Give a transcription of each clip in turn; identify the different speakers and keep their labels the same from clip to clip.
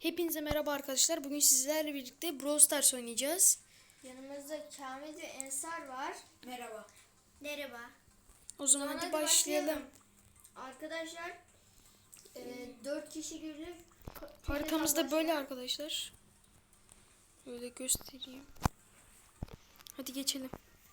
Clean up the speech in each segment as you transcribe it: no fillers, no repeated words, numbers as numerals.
Speaker 1: Hepinize merhaba arkadaşlar. Bugün sizlerle birlikte Brawl Stars oynayacağız.
Speaker 2: Yanımızda Kamil ve Ensar var.
Speaker 3: Merhaba.
Speaker 2: Merhaba.
Speaker 1: O zaman hadi başlayalım.
Speaker 2: Arkadaşlar 4 kişi girdik.
Speaker 1: Haritamız da böyle arkadaşlar. Böyle göstereyim. Hadi geçelim.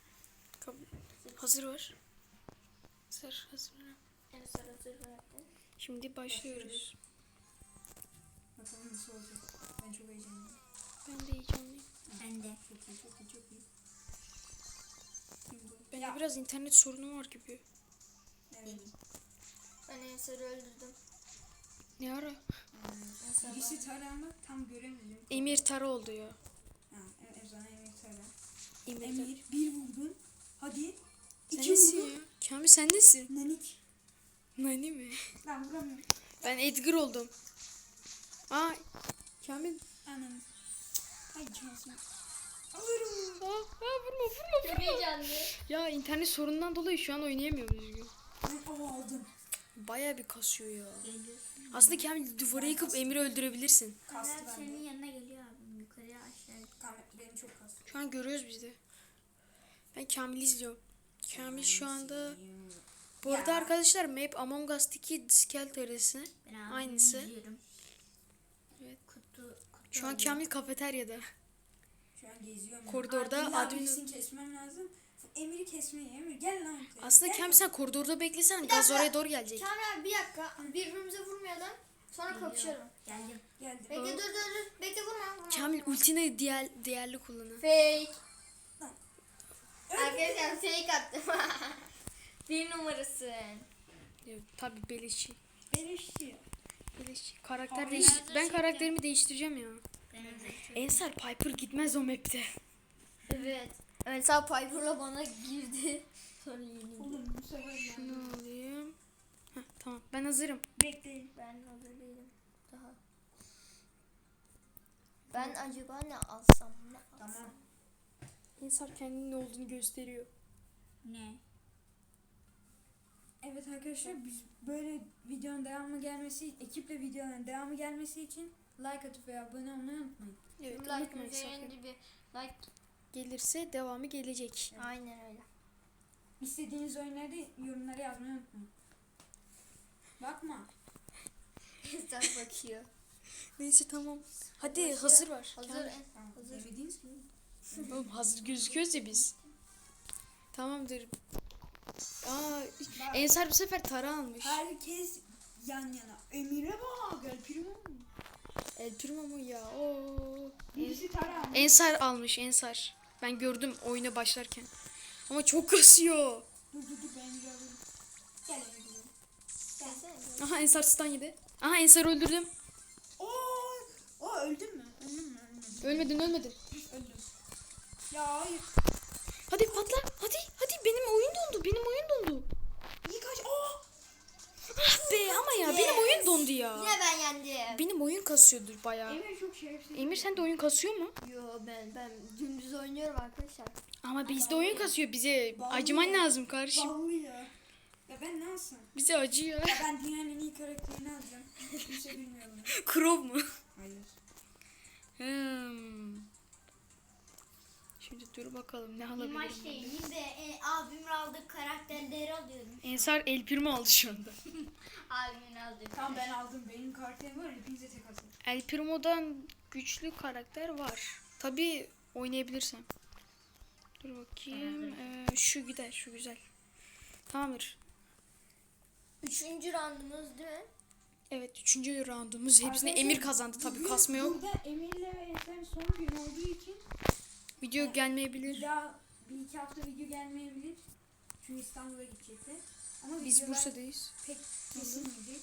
Speaker 1: Hazır var. Hazır.
Speaker 2: Ensar hazır verdi.
Speaker 1: Şimdi başlıyoruz.
Speaker 3: Bakalım nasıl olacak. Ben çok heyecanlıyım.
Speaker 1: Ben de heyecanlıyım.
Speaker 2: Ben de.
Speaker 3: Çok iyi. Kim bu?
Speaker 1: Bende biraz internet sorunu var gibi.
Speaker 3: Evet.
Speaker 2: Ben Ensar'ı öldürdüm.
Speaker 1: Ne ara?
Speaker 3: Birisi tara ama tam göremedim.
Speaker 1: Emir Tara oldu ya.
Speaker 3: Ha, Ezan Emir tara.
Speaker 1: Emir
Speaker 3: Emir bir vurdun. Hadi.
Speaker 1: Sen
Speaker 3: İki
Speaker 1: nesin
Speaker 3: vurdun.
Speaker 1: ya? Kamil sen nesin?
Speaker 3: Nanik.
Speaker 1: Nani mi?
Speaker 3: Ben vuramıyorum.
Speaker 1: Ben Edgar oldum. Aa, Kamil.
Speaker 3: Anam. Ay şansım. Alırım.
Speaker 1: Vurma.
Speaker 2: Çok heyecanlı.
Speaker 1: Ya internet sorunundan dolayı şu an oynayamıyorum düzgün.
Speaker 3: Ben aldım.
Speaker 1: Bayağı bir kasıyor ya. Aslında Kamil duvarı yıkıp Emir'i öldürebilirsin.
Speaker 3: Kastı
Speaker 2: Senin
Speaker 3: bende.
Speaker 2: yanına geliyor abim. Yukarıya aşağıya.
Speaker 3: Benim çok kastı.
Speaker 1: Şu an görüyoruz biz de. Ben Kamil'i izliyorum. Kamil şu anda... Bu arada
Speaker 3: Ya.
Speaker 1: arkadaşlar map Among Us'taki Diskel terası. Aynısı. Evet.
Speaker 2: Kutu
Speaker 1: Şu an Kamil kafeteryada.
Speaker 3: Şu an geziyorum.
Speaker 1: Koridorda
Speaker 3: İlla
Speaker 1: admin-
Speaker 3: birisini kesmem lazım. Emir'i kesmeye. Emir gel lan.
Speaker 1: Aslında
Speaker 3: Gel.
Speaker 1: Kamil sen koridorda beklesen gaz oraya doğru gelecek.
Speaker 2: Kamil abi bir dakika. Birbirimize vurmayalım. Sonra kapışalım. Geldim.
Speaker 3: Geldi.
Speaker 2: Bekle dur. Bekle vurma.
Speaker 1: Kamil ultini değerli kullanın.
Speaker 2: Fake.
Speaker 3: Lan.
Speaker 2: Arkadaşlar fake attım. Bir numarasın.
Speaker 1: Evet, tabii beleşçi.
Speaker 3: Beleşçi.
Speaker 1: Karakter
Speaker 3: Abi,
Speaker 1: Ben karakterimi değiştireceğim ya. Ensar Piper gitmez o map'te.
Speaker 2: Evet. Ensar Piper'la bana girdi. Sonra yenildi.
Speaker 3: Oğlum bu sefer ben.
Speaker 1: Şunu alayım. Heh, tamam ben hazırım.
Speaker 3: Bekleyin.
Speaker 2: Ben hazır değilim. Daha. Ben acaba ne alsam?
Speaker 3: Tamam.
Speaker 1: Ensar kendinin ne olduğunu gösteriyor.
Speaker 2: Ne?
Speaker 3: Evet arkadaşlar biz böyle videonun devamı gelmesi, ekiple videonun devamı gelmesi için like atıp ve abone olmayı unutmayın.
Speaker 1: Evet,
Speaker 2: Like
Speaker 1: unutmayın sakın.
Speaker 2: üzerinde bir like.
Speaker 1: Gelirse devamı gelecek.
Speaker 2: Aynen öyle.
Speaker 3: İstediğiniz oyunları yorumlara yazmayı unutmayın. Bakma.
Speaker 2: Ensar bakıyor.
Speaker 1: Neyse tamam. Hadi
Speaker 2: Başlıyor.
Speaker 1: hazır var.
Speaker 2: Hazır.
Speaker 1: Kamil.
Speaker 3: Tamam.
Speaker 2: Hazır.
Speaker 3: Demediğiniz gibi.
Speaker 1: Oğlum hazır gözüküyoruz ya biz. Tamamdır. Aa, Ensar bu sefer Tara almış.
Speaker 3: Herkes yan yana. Emir'e bak. El Primo.
Speaker 1: El Primo mu ya? Oo.
Speaker 3: Birisi Tara.
Speaker 1: Ensar almış Ensar. Ben gördüm oyuna başlarken. Ama çok kasıyor.
Speaker 3: Dur ben Emir'i alayım. Gel Emir'i.
Speaker 2: Gelsene.
Speaker 1: Aha Ensar stun yedi. Aha Ensar öldürdüm.
Speaker 3: O öldün mü? Ölmedin.
Speaker 1: Ölmedin.
Speaker 3: Öldüm. Ya hayır.
Speaker 1: Hadi patla. Hadi benim oyun dondu.
Speaker 3: İyi kaç.
Speaker 1: Ah be ama ya benim oyun dondu ya.
Speaker 2: Yine ben yendim.
Speaker 1: Benim oyun kasıyordur bayağı.
Speaker 3: Emir çok şerefsiz.
Speaker 1: Emir sen de oyun kasıyor mu?
Speaker 2: Yo ben dümdüz oynuyorum arkadaşlar.
Speaker 1: Ama bizde oyun kasıyor. Bize
Speaker 3: Vallahi
Speaker 1: acıman
Speaker 3: ya.
Speaker 1: lazım kardeşim.
Speaker 3: Vallahi ya. Ya ben ne alsam?
Speaker 1: Bize acıyor.
Speaker 3: Ya ben dünyanın en iyi karakterini alacağım. Hiçbir şey bilmiyorum.
Speaker 1: Crow mu?
Speaker 3: Hayır.
Speaker 1: Şimdi dur bakalım ne
Speaker 4: Bir
Speaker 1: alabilirim.
Speaker 4: maç değilim de abimin aldığı karakterleri alıyorum.
Speaker 1: Ensar El Primo aldı şu anda.
Speaker 4: Abimin aldığı.
Speaker 3: Tamam ben aldım. Benim karakterim var. Hepinize tek atın.
Speaker 1: El Primo'dan güçlü karakter var. Tabii oynayabilirsem. Dur bakayım. Şu gider, şu güzel. Tamamdır.
Speaker 2: 3. roundumuz değil mi?
Speaker 1: Evet, 3. roundumuz. Hepsini
Speaker 3: Arkadaşlar,
Speaker 1: Emir kazandı tabii,
Speaker 3: bugün
Speaker 1: kasma yok.
Speaker 3: Burada Emir'le ve Ensar'ın son gün olduğu için
Speaker 1: Video gelmeyebilir.
Speaker 3: bir daha bir iki hafta video gelmeyebilir. Çünkü İstanbul'a gidecekler. Ama
Speaker 1: Biz
Speaker 3: videolar
Speaker 1: Bursa'dayız.
Speaker 3: pek kesilmeyecek.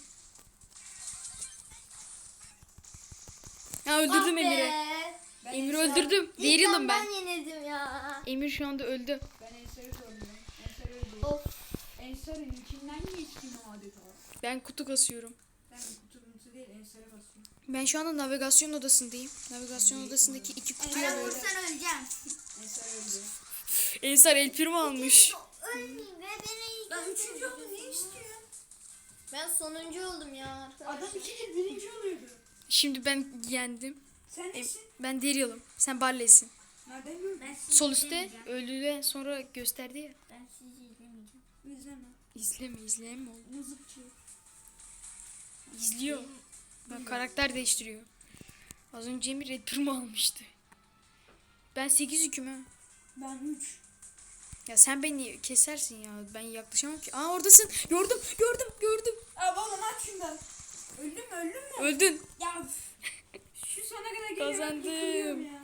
Speaker 1: Ya öldürdüm
Speaker 2: Ah be!
Speaker 1: Emir'i.
Speaker 3: Ben
Speaker 1: Emir'i
Speaker 3: Ensar-
Speaker 1: öldürdüm. Diğer yılım ben.
Speaker 2: Ben yenildim ya.
Speaker 1: Emir şu anda öldü.
Speaker 3: Ben Ensar'ı zorluyorum. Ensar öldü.
Speaker 2: Of.
Speaker 3: Ensar'ın içinden geçtim adeta.
Speaker 1: Ben kutu kasıyorum.
Speaker 3: Ben kutu değil Ensar'a basıyorum.
Speaker 1: Ben şu anda navigasyon odasındayım. Navigasyon odasındaki 2 kutuyu
Speaker 4: Ben
Speaker 1: alıyorum.
Speaker 4: vursan öleceğim.
Speaker 3: Ensar öldü.
Speaker 1: Ensar El Primo almış.
Speaker 4: Ölmeyeyim ve beni
Speaker 3: Lan üçüncü oldu ne istiyor?
Speaker 2: Ben sonuncu oldum ya.
Speaker 3: Adam ikinci birinci oluyordu.
Speaker 1: Şimdi ben yendim.
Speaker 3: Sen nesin?
Speaker 1: Ben Daryl'ım. Sen Barley'sin.
Speaker 3: Nereden gördün?
Speaker 2: Ben sizi
Speaker 1: Sol üstte
Speaker 2: izlemeyeceğim.
Speaker 1: öldüğünden sonra gösterdi ya.
Speaker 2: Ben sizi izlemeyeceğim.
Speaker 3: İzleme.
Speaker 1: İzleme oğlum.
Speaker 3: Mızıkçı.
Speaker 1: İzliyor. Bak karakter değiştiriyor. Az önce Emir Red Bull'umu almıştı. Ben 8 hüküm ha.
Speaker 3: Ben 3.
Speaker 1: Ya sen beni kesersin ya. Ben yaklaşamam ki. Aa oradasın. Gördüm.
Speaker 3: Abi oğlum aç şundan. Öldün mü?
Speaker 1: Öldün.
Speaker 3: Ya şu sona kadar geliyorum.
Speaker 1: Kazandım.
Speaker 3: yıkılıyorum ya.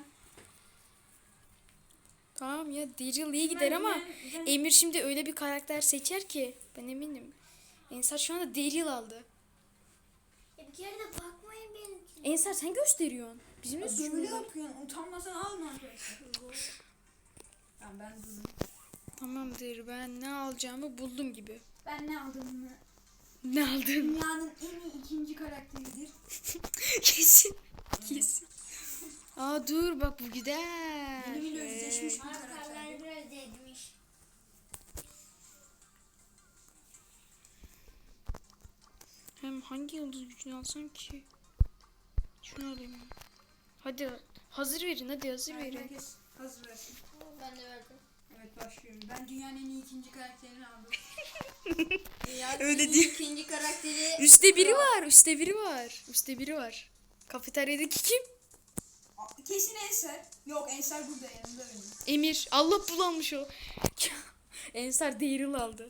Speaker 1: Tamam ya Daryl iyi gider ama Emir şimdi öyle bir karakter seçer ki ben eminim. Ensar şu anda Daryl aldı.
Speaker 4: Ya bir kere de bakmayın benimkine.
Speaker 1: Ensar sen gösteriyorsun. Bizim de
Speaker 3: Böyle
Speaker 1: suçumuz var.
Speaker 3: yapıyorsun. Utanmasan alma arkadaşlar. Tamam ben durdum.
Speaker 1: Tamamdır ben ne alacağımı buldum gibi.
Speaker 3: Ben ne aldığımı.
Speaker 1: Ne aldın?
Speaker 3: Dünyanın en iyi ikinci karakteridir.
Speaker 1: Kesin. Aa dur bak bu güzel.
Speaker 3: Benimle özdeşmiş bir
Speaker 4: Markerler
Speaker 3: karakterdir.
Speaker 4: biraz değmiş.
Speaker 1: Hem hangi yıldız gücünü alsam ki? Şunu alayım. Hadi hazır verin hadi hazır verin.
Speaker 3: Herkes hazır versin.
Speaker 2: Ben de verdim.
Speaker 3: Evet başlıyorum. Ben dünyanın en iyi ikinci karakterini aldım.
Speaker 1: Öyle diyor.
Speaker 2: İkinci karakteri.
Speaker 1: Üstte biri var. Kafeteryadaki kim?
Speaker 3: Kesin Ensar. Yok Ensar burada yanımda benim.
Speaker 1: Emir. Allah bulanmış o. Ensar Daryl aldı.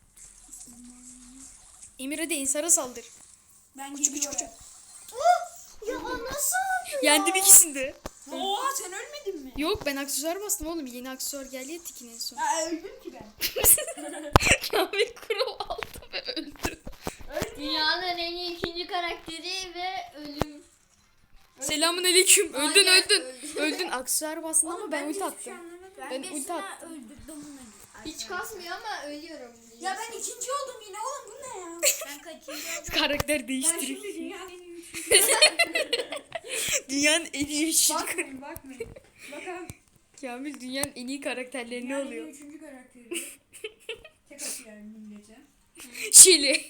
Speaker 1: Emir hadi Ensar'a saldır.
Speaker 3: Ben
Speaker 1: Küçük.
Speaker 3: geliyorum.
Speaker 4: Ya nasıl?
Speaker 1: Yendim ikisini de.
Speaker 3: Oha sen ölmedin mi?
Speaker 1: Yok ben aksesuar bastım oğlum. Yeni aksesuar geldi ya Tikin en son.
Speaker 3: Ya öldüm ki ben.
Speaker 1: Kamil Kural aldı ve öldü.
Speaker 2: Dünyanın en iyi ikinci karakteri ve ölüm.
Speaker 1: Selamun aleyküm. Öldün
Speaker 2: Aynen,
Speaker 1: öldün.
Speaker 2: öldü.
Speaker 1: Öldün aksesuar bastın ama ben ulti
Speaker 3: hiçbir şey
Speaker 1: attım.
Speaker 3: anlamadım.
Speaker 1: Ben ulti attım.
Speaker 3: öldürdüm bunu.
Speaker 2: Hiç kasmıyor ama ölüyorum.
Speaker 3: Ya ben ikinci oldum yine oğlum bu ne ya?
Speaker 4: Ben kaçıncı oldum?
Speaker 1: Karakter
Speaker 3: Ben
Speaker 1: değiştirip.
Speaker 3: şimdi dünyanın en iyi üçüncü.
Speaker 1: Dünyanın en iyi üçüncü
Speaker 3: Bakmayın. Bakalım.
Speaker 1: Kamil dünyanın en iyi karakterleri ne
Speaker 3: Dünyanın en iyi
Speaker 1: oluyor?
Speaker 3: üçüncü karakteri. Tek atıyorum millete.
Speaker 1: Şili.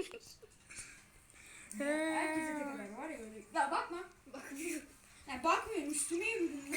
Speaker 3: Herkese tek atar var ya öyle. Ya bakma. Ya bakmıyorum üstüme yürüdüm.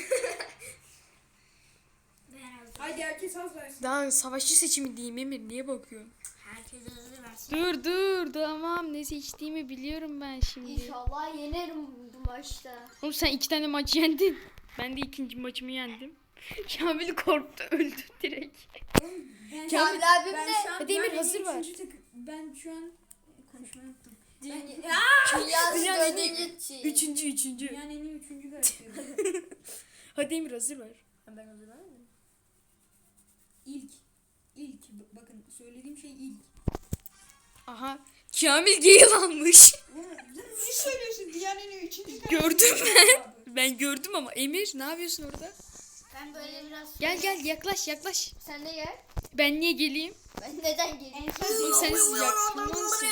Speaker 4: Ben hazır.
Speaker 3: Haydi herkes az versin.
Speaker 1: Daha savaşçı seçimi diyeyim Emir. Niye bakıyorsun?
Speaker 4: Herkes hazır versin.
Speaker 1: Dur tamam ne seçtiğimi biliyorum ben şimdi.
Speaker 2: İnşallah yenerim bu maçta.
Speaker 1: Oğlum sen 2 tane maç yendin. Ben de ikinci maçımı yendim. Kamil korktu öldü direkt.
Speaker 3: Ben,
Speaker 2: Kamil abim
Speaker 3: ben
Speaker 2: de
Speaker 3: şu an
Speaker 1: Hadi Emir,
Speaker 3: dünyanın en
Speaker 1: hazır
Speaker 3: iyi
Speaker 1: ver.
Speaker 3: üçüncü ben şu an konuşmayı unuttum.
Speaker 2: Dünyası
Speaker 1: Dünyanın en iyi
Speaker 2: dördüncü şey.
Speaker 1: Üçüncü.
Speaker 3: Dünyanın en iyi üçüncü karakteri.
Speaker 1: Hadi Emir hazır ver.
Speaker 2: Ben hazırlamadım.
Speaker 3: İlk. Bakın söylediğim şey ilk.
Speaker 1: Aha. Kamil Gale almış.
Speaker 3: Ne söylüyorsun? Dünyanın en iyi üçüncü karakteri.
Speaker 1: Gördüm ben. Ben gördüm ama Emir ne yapıyorsun orada?
Speaker 4: Ben böyle biraz...
Speaker 1: Gel yaklaş.
Speaker 2: Sen de gel.
Speaker 1: Ben niye geleyim?
Speaker 2: Ben neden geleyim?
Speaker 1: Oğlum sen yakınmansın.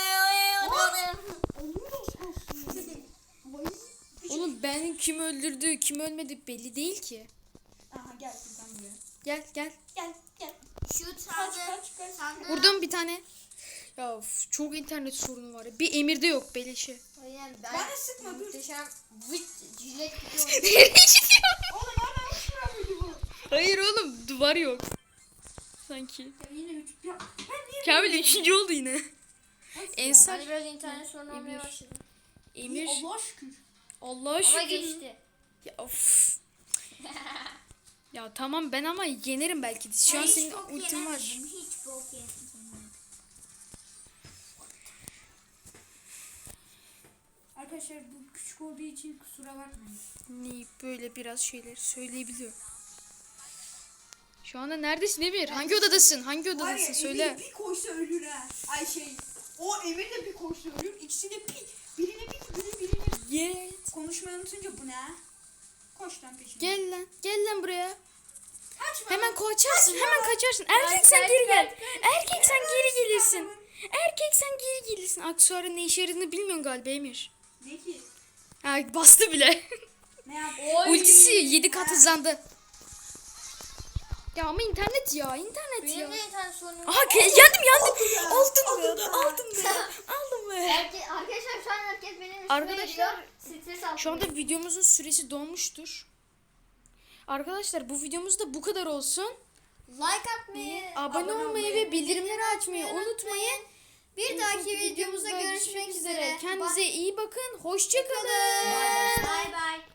Speaker 1: Oğlum ben kim öldürdü kim ölmedi belli değil ki.
Speaker 3: Aha gel sen buraya.
Speaker 1: Gel.
Speaker 3: Gel.
Speaker 4: Şu
Speaker 3: Kaç.
Speaker 4: sandığı...
Speaker 1: Vurdum bir tane. Ya of, çok internet sorunu var. Bir Emir'de yok beleşi.
Speaker 2: Aynen
Speaker 3: Bana sıkma, dur.
Speaker 2: Muhteşem vıt jilet gibi
Speaker 1: Nereye gidiyor?
Speaker 3: Oğlum oradan uçmuyor muydu bu?
Speaker 1: Hayır oğlum duvar yok. Sanki.
Speaker 3: Ya yine üç. Ya ben niye
Speaker 1: Kamil 3. oldu yine. Ensar.
Speaker 2: Hani biraz internet sorunu olmaya
Speaker 1: Emir.
Speaker 2: başladı.
Speaker 1: Emir.
Speaker 3: Allah şükür.
Speaker 1: Allah'a
Speaker 2: Ama
Speaker 1: şükür.
Speaker 2: geçti.
Speaker 1: Ya of. Ya tamam ben ama yenerim belki de. Şu an
Speaker 4: hiç
Speaker 1: senin
Speaker 4: bok
Speaker 1: ultin var.
Speaker 4: yemedim, hiç bok yemedim.
Speaker 3: Arkadaşlar bu küçük olduğu için kusura bakmayın.
Speaker 1: Niye böyle biraz şeyler söyleyebiliyor. Şu anda neredesin Emir? Hangi odadasın? Hangi odadasın? Söyle.
Speaker 3: Emir bir koşsa ölür ha. Ay şey. O Emir de bir koşsa ölür. İkisi de bir. Birine birine.
Speaker 1: Git.
Speaker 3: Konuşmayı unutunca bu ne ha? Koş lan peşine.
Speaker 1: Gel lan buraya.
Speaker 3: Kaçma.
Speaker 1: Hemen kaçarsın. Hemen kaçarsın. Erkek sen geri gel. Erkek sen geri gelirsin. Erkek sen geri gelirsin. Aksesuarın ne işe yaradığını bilmiyorsun galiba Emir.
Speaker 3: Ne ki?
Speaker 1: Ha, bastı bile.
Speaker 3: Ne yap?
Speaker 1: Ultisi 7 kat hızlandı. Ya ama internet ya.
Speaker 2: Benim de internet sorunum.
Speaker 1: Aha yendim. Aldım be. Aldım be.
Speaker 2: Arkadaşlar şu an herkes benim
Speaker 1: Arkadaşlar
Speaker 2: Stres
Speaker 1: şu anda videomuzun süresi dolmuştur. Arkadaşlar bu videomuz da bu kadar olsun.
Speaker 2: like atmayı,
Speaker 1: Abone olmayı ve bildirimleri açmayı unutmayın.
Speaker 2: Bir dahaki videomuzda görüşmek üzere.
Speaker 1: Kendinize iyi bakın. Hoşça kalın.
Speaker 4: Bay bay.